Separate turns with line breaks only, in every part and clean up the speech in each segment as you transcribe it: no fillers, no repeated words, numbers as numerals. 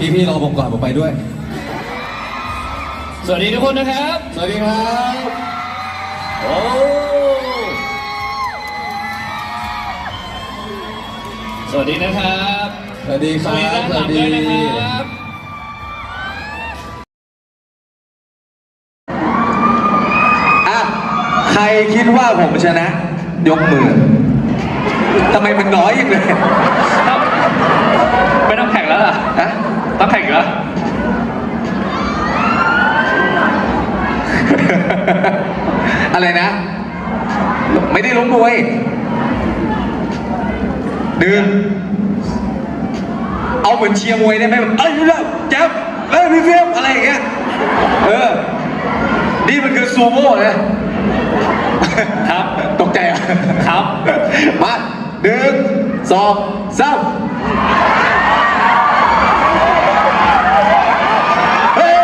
พี่รอผมก่อนผมไปด้วย
สวัสดีทุกคนนะครับ
สวัสดีครับ
โอ้สวัสดีนะครับ
สวัสดีครับ
สวัสดีนะครับ
ใครคิดว่าผมชนะยกมือทำไมมันน้อยอย่างเลย
ไม่ต้องแข่งแล้วเหรอฮะต้องแข่งเหรอ
อะไรนะไม่ได้ล้มมวยดึงเอาเหมือนเชียร์มวยได้ไหมแบบเอ้ยแจ๊บเอ้ยพี่เฟียมอะไรอย่างเงี้ยนี่มันคือซูโม่นะครับตกใจอ่ะ
ครับ
มา1 2 3เฮ้ย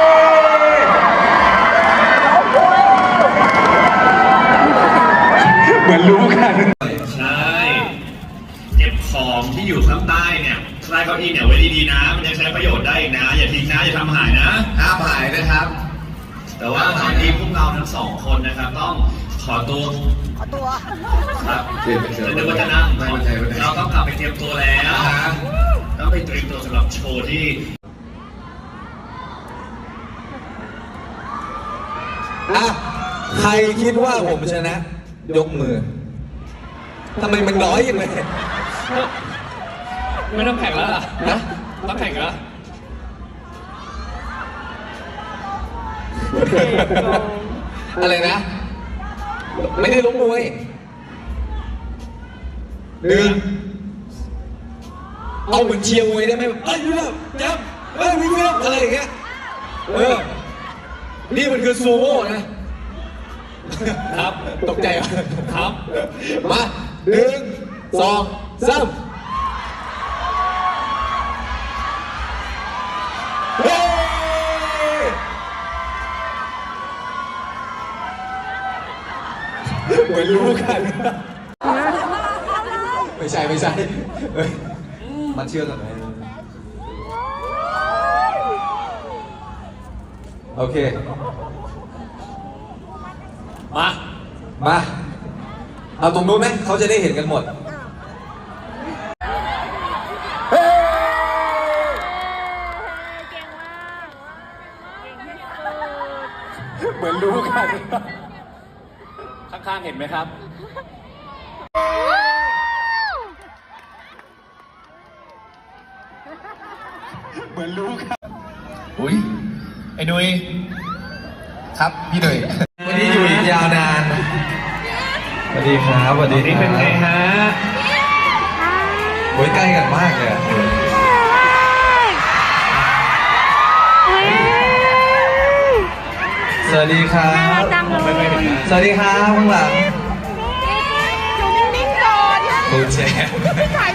เหมือนรู้กัน
ใช่เก็บของที่อยู่ข้างใต้เนี่ยใต้เก้าอี้เนี่ยไว้ดีๆนะมันยังใช้ประโยชน์ได้อีกนะอย่าทิ้งนะอย่าทำหายนะ
ห้ามหายนะครับ
แต่ว่าตอนนี้พวกเราทั้งสองคนนะครับต้องขอตัวครับเดี๋ยวจะนั่งเราต้องกลับไปเตรียมตัวแล้วต้องไปเตรียมตัวสำหรับโชว์ที่
ใครคิดว่าผมชนะยกมือทำไมมันน้อยอย่างเลย
ไม่ต้องแข่งแล้วล่ะนะต้องแข่งแล้ว
อะไรนะไม่ได้ล้มมวยดึงเอาเหมือนเชียร์มวยได้ไหมแบบเอ้ยจับเอ้ยพี่เฟียมอะไรอย่างเงี้ยนี่มันคือซูโม่นะครับตกใจอ่ะ
ครับ
มา1 2 3เหมือนรู้กันไม่ใช่มันเชื่อกันไหมโอเคมาเอาตรงนู้นไหมเขาจะได้เห็นกันหมดเหมือนรู้กัน
ข้างๆเห็นไหมครับ
เหมือนรู้กัน
อุ้ยไอ้นุ้ย
ครับพี่หนุ่ยวันนี้อยู่อีกยาวนานสวัสดีครับสวัสดี
นี่เป็นไงฮะ
โอ้ยใกล้กันมากเลยสวัสดีครับสวัสดีครับข้างหลัง
อยู่นิ่งๆก่อน
ดูแชร์
ไม่ถ่าย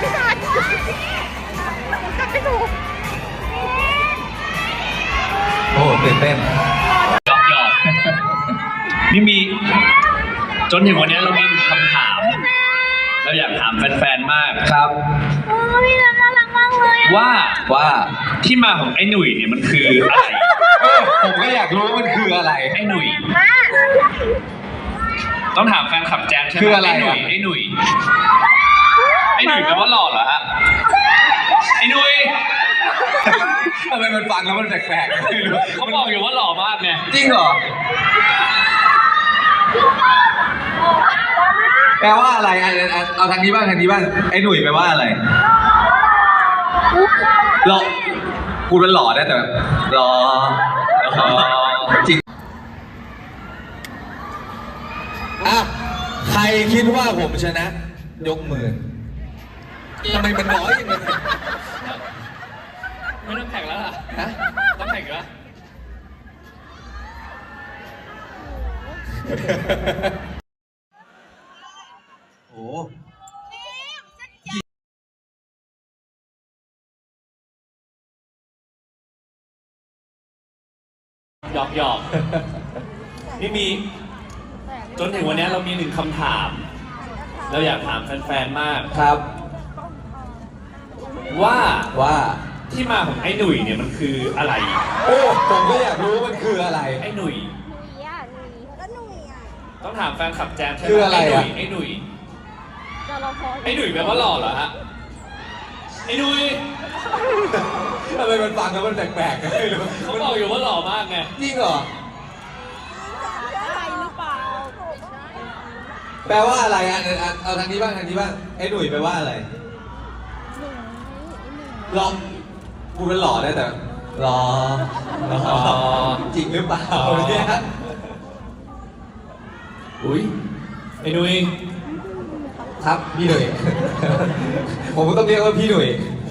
โอ้ตื่นเต้น
หยอกนี่มีจนถึงวันนี้เรามีคำถามเราอยากถามแฟนๆมาก
ครับ
โอ้พี่น่ารักมากเลย
ว่าที่มาของไอ้หนุ่ยเนี่ยมันคืออะไร
ผมก็อยากรู้ว่ามันคืออะไร
ไอ้หนุ่ยต้องถามแฟนคลับแจ๊สใช่ไหม
คืออะไร
ไอ้หนุ่ยแปลว่าหล่อเหรอฮะไอ้หนุ่ย
ทำไมมันฟังแล้วมันแปลกๆไม่รู้
เขาบอกอยู่ว่าหล่อมากไง
จริงเหรอแปลว่าอะไรเอาทางนี้บ้างไอ้หนุ่ยแปลว่าอะไรหล่อพูดว่าหล่อได้แต่แบบหล่อจริงใครคิดว่าผมชนะยกมือทำไมมันน้อยอย่างเลย
ไม่ต้องแข่งแล้วล่ะฮะต้องแข่งแล้ว
โอ้
หยอกนี่มีจนถึงวันนี้เรามี1คำถาม เราอยากถามแฟนๆมาก
ครับ
ว่าที่มาของไอ้หนุ่ยเนี่ยมันคืออะไร
โอ้ผมก็อยากรู้มันคืออะไร
ไอ้หนุ่ย
ก็หนุ่ยอ่ะ
ต้องถามแฟนคลับแจมใช่ไหม
คืออะไรอะ
ไอ้หนุ่ย
จะเราพอ
ไอ้หนุ่ยแปลว่าหล่อเหรอฮะไอ้หนุ่ย
ทำไมมันฟังแล้วมันแปลกๆกันไม่รู้
เขาบอกอยู่ว่าหล่อมากไง
จริงเหรอ
ใช่หรือเปล่า
แปลว่าอะไรอ่ะเอาทางนี้บ้างทางนี้บ้างไอ้หนุ่ยแปลว่าอะไรหล่อกูเป็นหล่อได้แต่หล่อจริงหรือเปล่าเนี่ย
อุ้ยไอ้หนุ่ย
ครับพี่หนุ่ย ผมก็ต้องเรียกว่าพี่หนุ่ย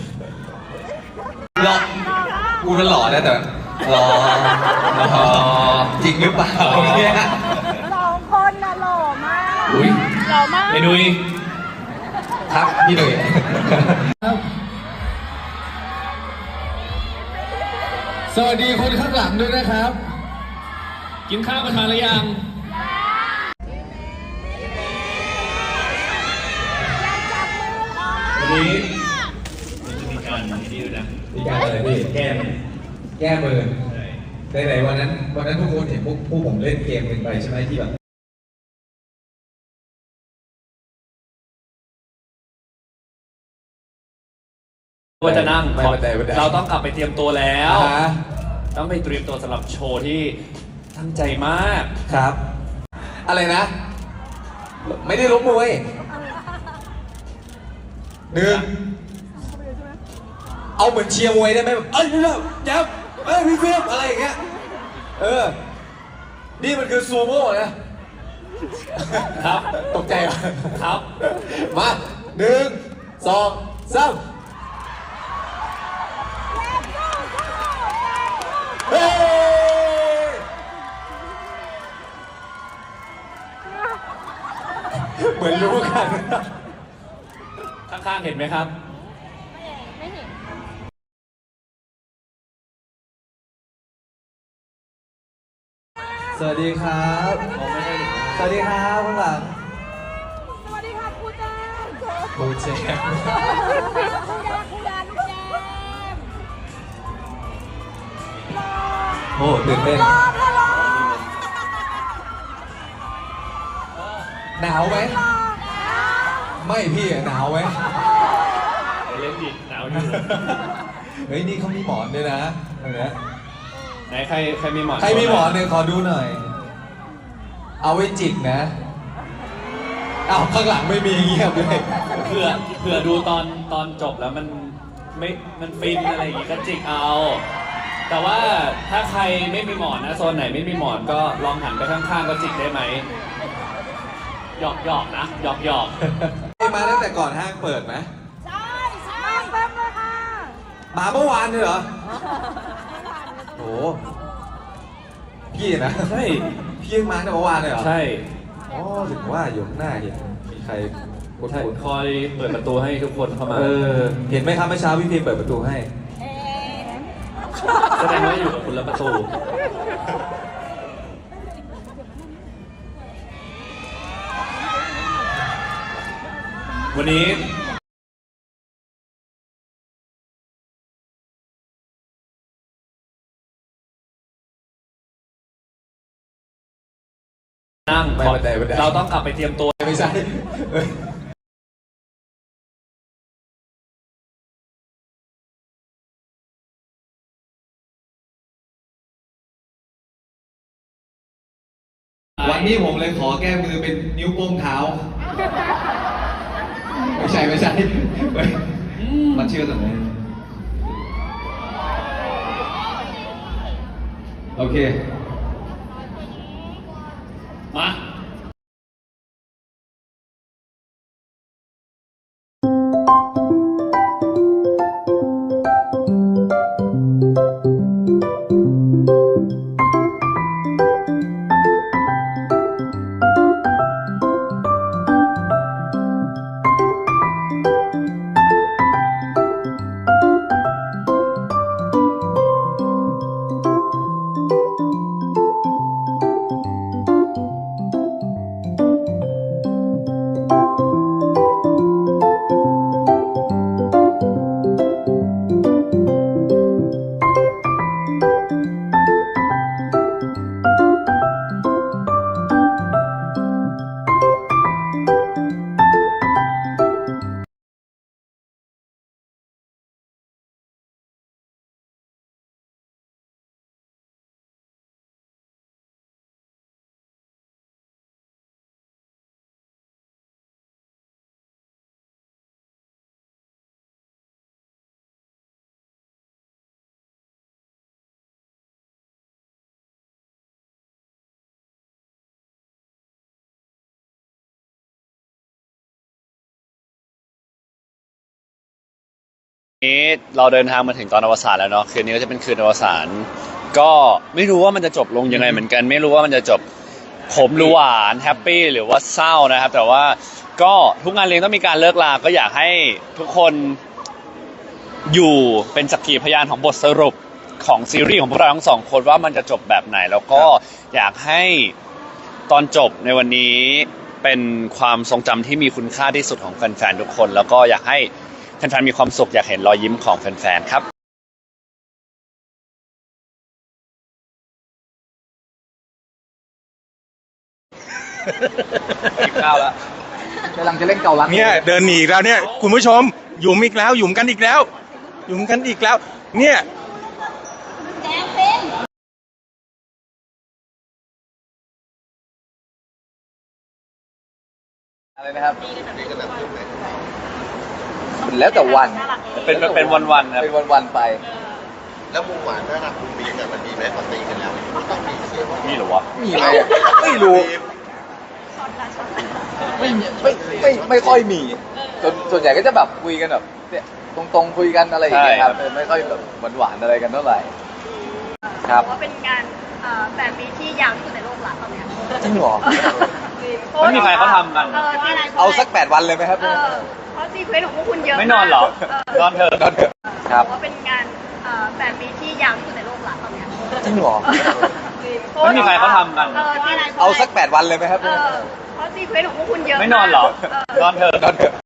หล่อกูเป็นหล่อได้แต่หล่อจริงหรือเปล่าเนี่ย
สองคนน่ะหล่อมาก
อุ้ย
หล่อมาก
ไอ้หนุ่ย
ครับพี่หนุ่ยสวัสดีคนข้างหลังด้วยนะครับ
กินข้าวกันมาหรือยังวันนี้มันจะมีการนี่ด้วยนะ
มีการอะไรพี่
แก้ม
แก้มือ
ใช่
ไหนๆวันนั้นทุกคนเห็นพวกผมเล่นเกมกันไปใช่ไหมที่แบบ
ว่าจะนั่ง
ไม่บันได
เราต้องกลับไปเตรียมตัวแล้ว
อ่าฮะ
ต้องไปเตรียมตัวสำหรับโชว์ที่ตั้งใจมาก
ครับ อะไรนะ ไม่ได้ลบมวยหนึ่งเอาเหมือนเชียร์มวยได้ไหมแบบเอ้ยนี่นะแจ๊บเอ้ยพี่เฟียบอะไรอย่างเงี้ยนี่มันคือซูโม่นะครับ ตกใจเหรอ
ครับ
มาหนึ่งสองสามเฮ้ยเหมือนรู้กัน
ข้างๆเห็นไหมครับ
ไม่เห็น
สวัสดีครับ
ผมไม่ได้เห็น
สวัสดีครับข้างหลัง
สวัสดีค่ะครูแจม
ครูเจมส์
ครูแจมครูแจมลูกแจม
โอ้ตื่นเต้น
รอบแล้วรอบ
หนาวไหม ไม่พี่อะหนาวไหม
เล่นดิหนาวอยู่
เฮ้ยนี่เขามีหมอนด้วยนะตรงเนี้ย
ไหนใครมีหมอน
ใครมีหมอนเนี่ยขอดูหน่อย เอาไว้จิกนะเอาข้างหลังไม่มีเงียบเลย
เผื่อดูตอนจบแล้วมันฟินอะไรอย่างงี้ก็จิกเอา แต่ว่าถ้าใครไม่มีหมอนนะโซนไหนไม่มีหมอนก็ลองหันไปข้างๆก็จิกได้ไหมหยอกนะหยอก
มาตั้งแต่ก่อนห้างเปิดไหม
ใช่ใช่แป๊บเลยค่ะ
มาเมื่อวานเลยเหรอโอ้พี่นะ
ใช่
พี่ยังมาตั้งแต่เมื่อวานเลยเหรอ
ใช่
อ๋อถึงว่าอยู่ข้างหน้าเห็นมีใครกด
ใช่
ปุ่น
คอยเปิดประตูให้ทุกคนเข้ามา
เห็นไหมครับเมื่อเช้าพี่พิมเปิดประตูให้
เอ๊ะ
แสดงว่าอยู่กับคุณละประตู วันนี้นั่ง
ไม่บันได
เราต้องกลับไปเตรียมตัว
ไม่ใช่เอ้ยวันนี้ผมเลยขอแก้มือเป็นนิ้วโป้งเท้า ไม่ใช่เฮ้ยมันเชื่อตรงไหนโอเค
มานี้เราเดินทางมาถึงตอนอวสานแล้วเนาะคืนนี้ก็จะเป็นคืนอวสานก็ไม่รู้ว่ามันจะจบลงยังไงเหมือนกัน ไม่รู้ว่ามันจะจบขมหรือหวานแฮปปี้หรือว่าเศร้านะครับ แต่ว่าก็ทุกงานเลี้ยงต้องมีการเลิกลาก็อยากให้ทุกคนอยู่เป็นสักขีพยานของบทสรุปของซีรีส์ของพวกเราทั้งสองคนว่ามันจะจบแบบไหน แล้วก็อยากให้ตอนจบในวันนี้เป็นความทรงจำที่มีคุณค่าที่สุดของแฟนๆทุกคน แล้วก็อยากให้แฟนๆมีความสุขอยากเห็นรอยยิ้มของแฟนๆครับกินข้าวแล้วกำลังจะเล่นเกาลัด
เนี่ยเดินหนีอีกแล้วเนี่ยคุณผู้ชมหยุมอีกแล้วหยุมกันอีกแล้วหยุมกันอีกแล้วเนี่ย
แดงเป็น
อะไรนะครับแล้วแต่วัน
เป็นวันๆครับ
เป็นวันๆไป
แล้วมุมหวานถ้ารักคุณบีเนี่ยมันมีไหมพอตีกันแล้วต้องมีเชื่อว่า
มีหรอวะ
มีไหมไม่รู้ไม่ค่อยมีส่วนใหญ่ก็จะแบบคุยกันแบบเนี่ยตรงๆคุยกันอะไรอย่างเงี้ยครับไม่ค่อยแบบหวานๆอะไรกันเท่าไหร่ครับ
ว่าเป็นงาน8 ปีที่ยาวที่สุดในโลกละตอนเนี้ย
จริงเหรอ
ไม่มีใครเขาทำกัน
เอาสัก8 วันเลยไหมครับ
เพราะซีเควนต์ของพวกคุณเยอะ
ไม่นอนเหรอ นอนเถอะ
ครับ
ว่าเป็นงาน8 ปีที่ยาวที่สุดในโลกละตอนเนี้ย
จริงเหรอ
ไม่มีใครเขาทำกัน
เอาสัก8 วันเลยไหมครับ
เพราะซีเควนต์ของพวกคุณเยอะ
ไม่นอนเหรอ นอนเถอะ